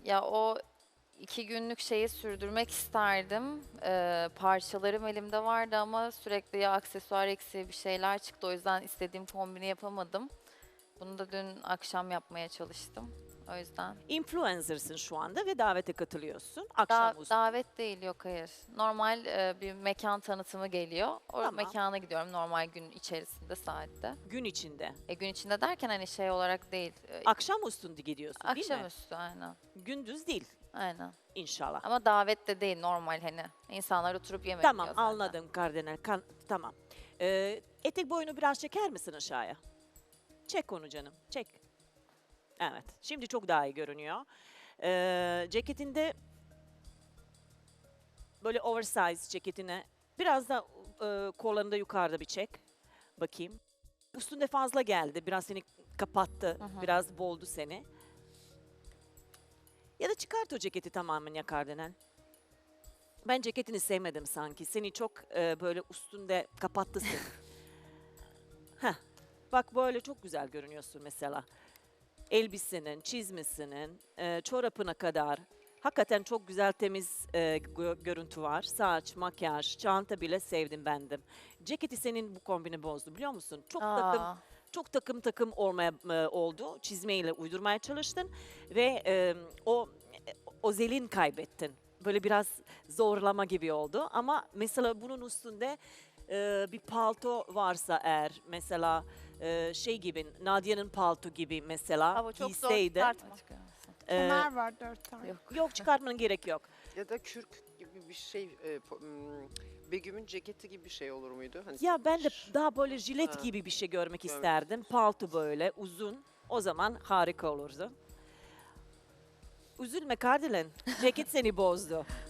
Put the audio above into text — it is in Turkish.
Ya o 2 günlük şeyi sürdürmek isterdim. Parçalarım elimde vardı ama sürekli ya aksesuar eksiği bir şeyler çıktı. O yüzden istediğim kombini yapamadım. Bunu da dün akşam yapmaya çalıştım. O yüzden. Influencer'sın şu anda ve davete katılıyorsun. Akşamüstü. Davet değil, yok hayır. Normal bir mekan tanıtımı geliyor. O Tamam. mekana gidiyorum normal gün içerisinde saatte. Gün içinde. Gün içinde derken hani şey olarak değil. Akşamüstü gidiyorsun değil mi? Akşamüstü aynen. Gündüz değil Aynen. inşallah. Ama davet de değil normal hani. İnsanlar oturup yemek Tamam yiyor zaten. anladım kardinal. Tamam. Etek boyunu biraz çeker misin aşağıya? Çek onu canım. Çek. Evet. Şimdi çok daha iyi görünüyor. Ceketinde böyle oversize ceketine biraz da kollarını da yukarıda bir çek. Bakayım. Üstünde fazla geldi. Biraz seni kapattı. Biraz boğdu seni. Ya da çıkart o ceketi tamamen ya kardinal. Ben ceketini sevmedim sanki. Seni çok böyle üstünde kapattı seni. Heh. Bak böyle çok güzel görünüyorsun mesela. Elbisenin, çizmesinin, çorapına kadar. Hakikaten çok güzel temiz görüntü var. Saç, makyaj, çanta bile sevdim bendim. Ceketi senin bu kombini bozdu biliyor musun? Çok takım olmaya oldu. Çizmeyle uydurmaya çalıştın ve o zelin kaybettin. Böyle biraz zorlama gibi oldu ama mesela bunun üstünde bir palto varsa eğer mesela şey gibi Nadia'nın palto gibi mesela Ama çok zor giyseydi. çıkartma. Kemer var 4 tane. Yok çıkartmanın gerek yok. Ya da kürk gibi bir şey, Begüm'ün ceketi gibi bir şey olur muydu? Hani Ya ben de daha böyle jilet Ha. gibi bir şey görmek Görmek isterdim. Palto böyle uzun. O zaman harika olurdu. Üzülme Kardelen. Ceket seni bozdu.